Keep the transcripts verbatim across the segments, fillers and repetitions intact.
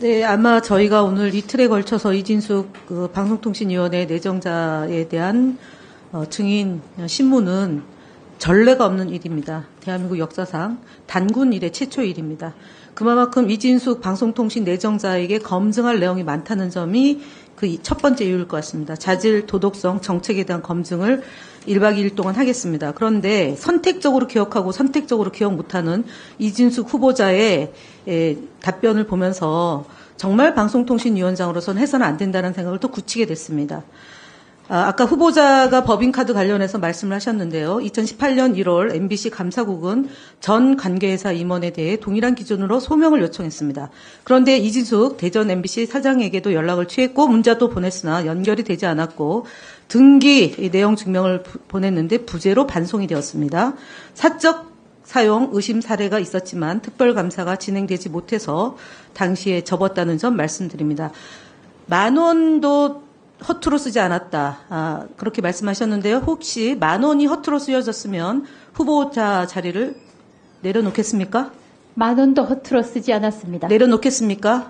네, 아마 저희가 오늘 이틀에 걸쳐서 이진숙 그 방송통신위원회 내정자에 대한 어, 증인 신문은 전례가 없는 일입니다. 대한민국 역사상 단군 이래 최초 일입니다. 그만큼 이진숙 방송통신 내정자에게 검증할 내용이 많다는 점이 그 첫 번째 이유일 것 같습니다. 자질, 도덕성, 정책에 대한 검증을 일박 이일 동안 하겠습니다. 그런데 선택적으로 기억하고 선택적으로 기억 못하는 이진숙 후보자의 에, 답변을 보면서 정말 방송통신위원장으로서는 해서는 안 된다는 생각을 또 굳히게 됐습니다. 아, 아까 후보자가 법인카드 관련해서 말씀을 하셨는데요. 이천십팔년 일월 엠비씨 감사국은 전 관계회사 임원에 대해 동일한 기준으로 소명을 요청했습니다. 그런데 이진숙 대전 엠비씨 사장에게도 연락을 취했고 문자도 보냈으나 연결이 되지 않았고 등기 내용 증명을 부, 보냈는데 부재로 반송이 되었습니다. 사적 사용 의심 사례가 있었지만 특별감사가 진행되지 못해서 당시에 접었다는 점 말씀드립니다. 만 원도 허투루 쓰지 않았다. 아, 그렇게 말씀하셨는데요. 혹시 만 원이 허투루 쓰여졌으면 후보자 자리를 내려놓겠습니까? 만 원도 허투루 쓰지 않았습니다. 내려놓겠습니까?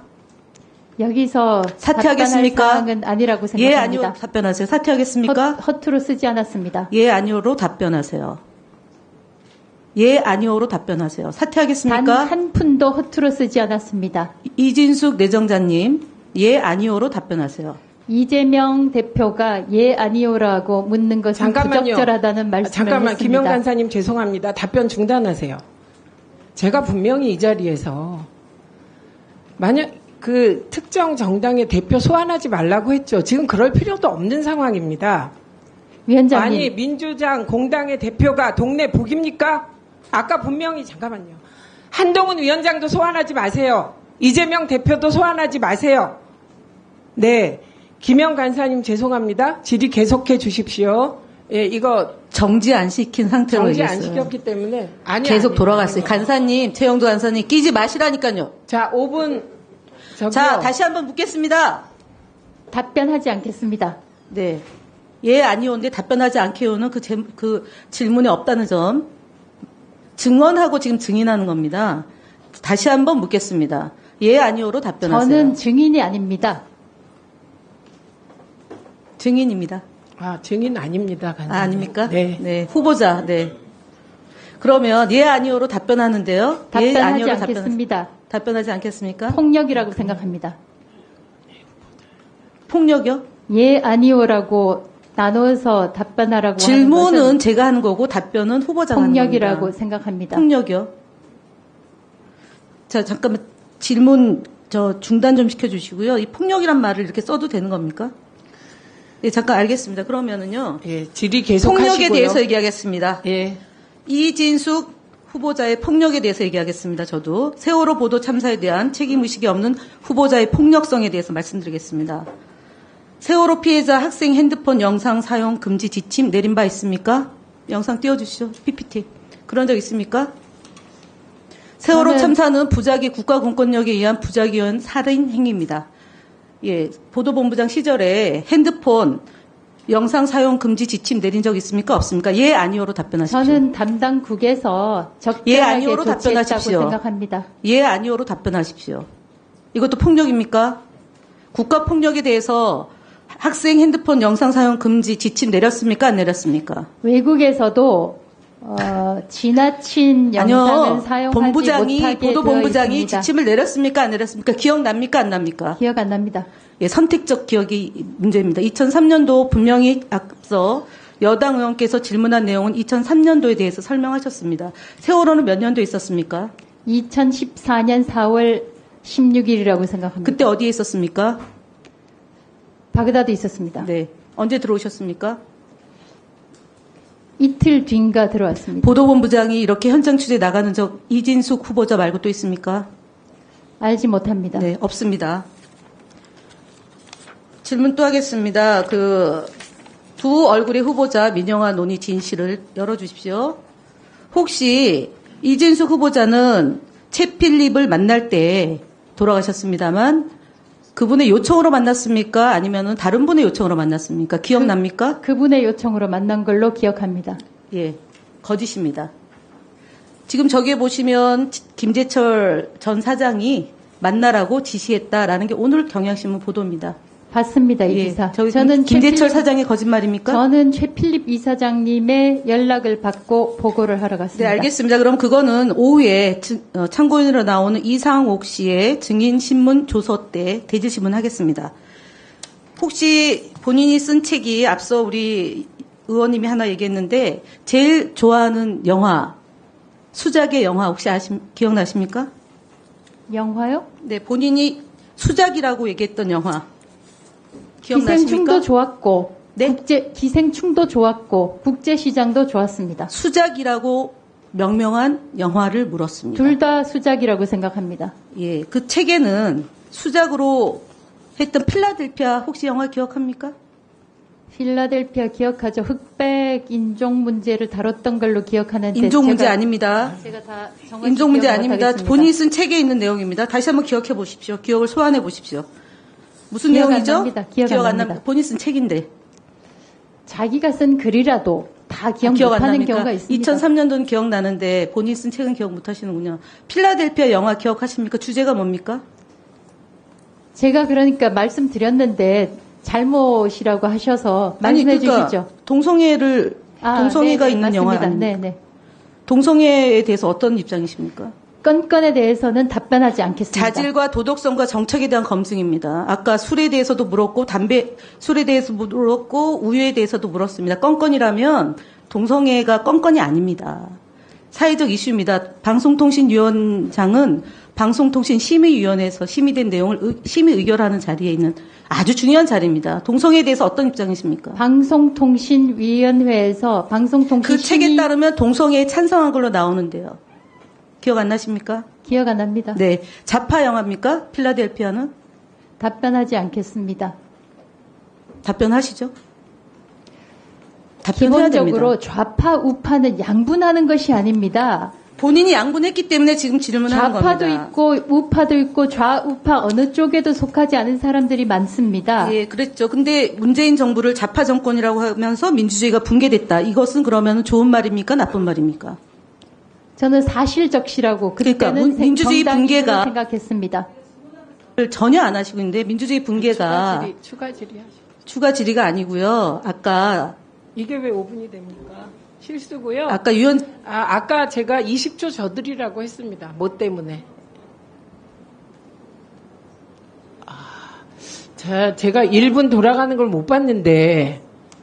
여기서 사퇴하겠습니까? 답변할 사항은 아니라고 생각합니다. 예, 아니요. 답변하세요. 사퇴하겠습니까? 허, 허투루 쓰지 않았습니다. 예, 아니오로 답변하세요. 예, 아니오로 답변하세요. 사퇴하겠습니까? 단 한 푼도 허투루 쓰지 않았습니다. 이진숙 내정자님, 예, 아니오로 답변하세요. 이재명 대표가 예 아니오라고 묻는 것은 잠깐만요. 부적절하다는 말씀을 잠깐만, 했습니다. 김영 간사님 죄송합니다. 답변 중단하세요. 제가 분명히 이 자리에서 만약 그 특정 정당의 대표 소환하지 말라고 했죠. 지금 그럴 필요도 없는 상황입니다. 위원장님. 아니 민주당 공당의 대표가 동네 북입니까? 아까 분명히 잠깐만요. 한동훈 위원장도 소환하지 마세요. 이재명 대표도 소환하지 마세요. 네. 김영 간사님 죄송합니다. 질의 계속해 주십시오. 예, 이거 정지 안 시킨 상태로 정지 안 얘기했어요. 시켰기 때문에 아니 계속 아니, 돌아갔어요. 아니. 간사님, 최영도 간사님 끼지 마시라니까요. 자, 오 분 저기요. 자, 다시 한번 묻겠습니다. 답변하지 않겠습니다. 네. 예, 아니오인데 답변하지 않게요는 그, 제, 그 질문에 없다는 점. 증언하고 지금 증인하는 겁니다. 다시 한번 묻겠습니다. 예, 아니오로 답변하세요. 저는 증인이 아닙니다. 증인입니다. 아, 증인 아닙니다. 간사님. 아, 아닙니까? 네. 네. 후보자, 네. 그러면 예, 아니오로 답변하는데요. 답변하지 예, 아니오로 않겠습니다. 답변, 답변하지 않겠습니까? 폭력이라고 생각합니다. 폭력이요? 예 아니오라고 나눠서 답변하라고 하는 질문은 것은 제가 하는 거고 답변은 후보자가 하는 폭력이라고 겁니다. 생각합니다. 폭력이요? 자, 잠깐만 질문 저 중단 좀 시켜주시고요. 이 폭력이란 말을 이렇게 써도 되는 겁니까? 네, 잠깐 알겠습니다. 그러면은요. 예, 질의 계속하시고요. 폭력에 대해서 얘기하겠습니다. 예. 이진숙 후보자의 폭력에 대해서 얘기하겠습니다. 저도 세월호 보도 참사에 대한 책임의식이 없는 후보자의 폭력성에 대해서 말씀드리겠습니다. 세월호 피해자 학생 핸드폰 영상 사용 금지 지침 내린 바 있습니까? 영상 띄워주시죠. 피피티. 그런 적 있습니까? 세월호 저는- 참사는 부작위 국가공권력에 의한 부작위원 살인 행위입니다. 예, 보도본부장 시절에 핸드폰 영상 사용 금지 지침 내린 적 있습니까? 없습니까? 예, 아니오로 답변하십시오. 저는 담당국에서 예, 적절하게 아니오로 조치했다고 답변하십시오. 생각합니다. 예, 아니오로 답변하십시오. 이것도 폭력입니까? 국가폭력에 대해서 학생 핸드폰 영상 사용 금지 지침 내렸습니까? 안 내렸습니까? 외국에서도 어, 지나친 영상을 아니요. 사용하지 본부장이, 못하게 보도본부장이 되어 있습니다. 지침을 내렸습니까? 안 내렸습니까? 기억납니까? 안 납니까? 기억 안 납니다. 예, 선택적 기억이 문제입니다. 이천삼년도 분명히 앞서 여당 의원께서 질문한 내용은 이천삼년도에 대해서 설명하셨습니다. 세월호는 몇 년도에 있었습니까? 이천십사년 사월 십육일이라고 생각합니다. 그때 어디에 있었습니까? 바그다드 있었습니다. 네. 언제 들어오셨습니까? 이틀 뒤인가 들어왔습니다. 보도본부장이 이렇게 현장 취재 나가는 적 이진숙 후보자 말고 또 있습니까? 알지 못합니다. 네, 없습니다. 질문 또 하겠습니다. 그 두 얼굴의 후보자 민영화 논의 진실을 열어주십시오. 혹시 이진숙 후보자는 채필립을 만날 때 돌아가셨습니다만 그분의 요청으로 만났습니까? 아니면은 다른 분의 요청으로 만났습니까? 기억납니까? 그분의 요청으로 만난 걸로 기억합니다. 예, 거짓입니다. 지금 저기에 보시면 김재철 전 사장이 만나라고 지시했다라는 게 오늘 경향신문 보도입니다. 봤습니다, 이 예, 기사. 저기 저는 김재철 최필립- 사장의 거짓말입니까? 저는 최필립 이사장님의 연락을 받고 보고를 하러 네, 갔습니다. 알겠습니다. 그럼 그거는 오후에 증- 어, 참고인으로 나오는 이상옥 씨의 증인 신문 조서 때 대질 신문하겠습니다. 혹시 본인이 쓴 책이 앞서 우리 의원님이 하나 얘기했는데 제일 좋아하는 영화, 수작의 영화 혹시 아십, 기억나십니까? 영화요? 네, 본인이 수작이라고 얘기했던 영화 기억나십니까? 기생충도 좋았고, 네? 국제 기생충도 좋았고, 국제 시장도 좋았습니다. 수작이라고 명명한 영화를 물었습니다. 둘 다 수작이라고 생각합니다. 예, 그 책에는 수작으로 했던 필라델피아 혹시 영화 기억합니까? 필라델피아 기억하죠? 흑백 인종 문제를 다뤘던 걸로 기억하는데 인종 문제 제가, 아닙니다. 제가 다 정확히 인종 문제 기억을 아닙니다. 못하겠습니다. 본인이 쓴 책에 있는 내용입니다. 다시 한번 기억해 보십시오. 기억을 소환해 보십시오. 무슨 기억 안 내용이죠? 납니다. 기억 안 납니다. 납니다. 본인 쓴 책인데. 자기가 쓴 글이라도 다 기억 아, 기억 안 못하는 납니까? 경우가 있습니다. 이천삼 년도는 기억나는데 본인 쓴 책은 기억 못 하시는군요. 필라델피아 영화 기억하십니까? 주제가 뭡니까? 제가 그러니까 말씀드렸는데 잘못이라고 하셔서 아니, 말씀해 그러니까 주시죠. 동성애를 아, 동성애가 네네, 있는 영화 맞습니다. 아닙니까? 네네. 동성애에 대해서 어떤 입장이십니까? 건건에 대해서는 답변하지 않겠습니다. 자질과 도덕성과 정책에 대한 검증입니다. 아까 술에 대해서도 물었고 담배 술에 대해서 물었고 우유에 대해서도 물었습니다. 건건이라면 동성애가 건건이 아닙니다. 사회적 이슈입니다. 방송통신위원장은 방송통신심의위원회에서 심의된 내용을 의- 심의 의결하는 자리에 있는 아주 중요한 자리입니다. 동성애에 대해서 어떤 입장이십니까? 방송통신위원회에서 방송통신 그 책에 심의- 따르면 동성애에 찬성한 걸로 나오는데요. 기억 안 나십니까? 기억 안 납니다. 네. 좌파 영화입니까? 필라델피아는? 답변하지 않겠습니다. 답변하시죠. 답변해야 기본적으로 됩니다. 좌파 우파는 양분하는 것이 아닙니다. 본인이 양분했기 때문에 지금 질문하는 좌파도 겁니다. 있고 우파도 있고 좌우파 어느 쪽에도 속하지 않은 사람들이 많습니다. 예, 그랬죠. 근데 문재인 정부를 좌파 정권이라고 하면서 민주주의가 붕괴됐다. 이것은 그러면 좋은 말입니까? 나쁜 말입니까? 저는 사실적시라고 그러니까 그때는 문- 민주주의 정당이라고 붕괴가- 생각했습니다. 전혀 안 하시고 있는데 민주주의 붕괴가 추가 질의 하시죠. 추가 질의가 아니고요. 아까 이게 왜 오 분이 됩니까? 실수고요. 아까 위원 아, 아까 제가 이십 초 저들이라고 했습니다. 뭐 때문에? 아, 자, 제가 일 분 돌아가는 걸 못 봤는데.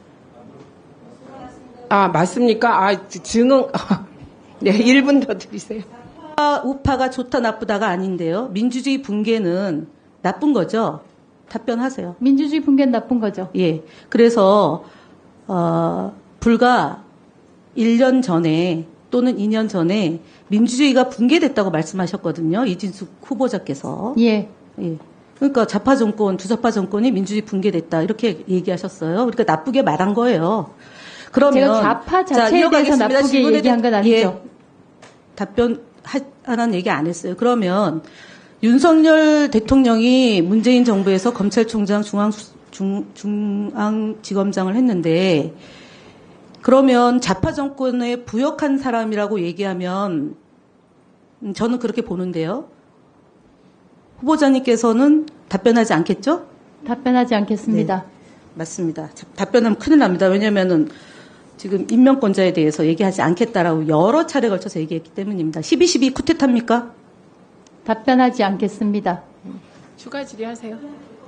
아, 맞습니까? 아, 증언. 네, 일 분 더 드리세요. 우파, 우파가 좋다 나쁘다가 아닌데요. 민주주의 붕괴는 나쁜 거죠. 답변하세요. 민주주의 붕괴는 나쁜 거죠. 예. 그래서 어, 불과 일 년 전에 또는 이 년 전에 민주주의가 붕괴됐다고 말씀하셨거든요. 이진숙 후보자께서. 예. 예. 그러니까 좌파 정권, 주좌파 정권이 민주주의 붕괴됐다 이렇게 얘기하셨어요. 그러니까 나쁘게 말한 거예요. 그러면 제가 좌파 자, 자체에 대해서 이어가겠습니다. 나쁘게 질문에 얘기한 건 대해- 아니죠. 예, 답변 하라는 얘기 안 했어요. 그러면 윤석열 대통령이 문재인 정부에서 검찰총장 중앙 중, 중앙지검장을 했는데 그러면 좌파 정권에 부역한 사람이라고 얘기하면 음, 저는 그렇게 보는데요. 후보자님께서는 답변하지 않겠죠? 답변하지 않겠습니다. 네. 맞습니다. 자, 답변하면 큰일 납니다. 왜냐하면은 지금 인명권자에 대해서 얘기하지 않겠다라고 여러 차례 걸쳐서 얘기했기 때문입니다. 십이 십이 쿠데타입니까? 답변하지 않겠습니다. 추가 질의하세요.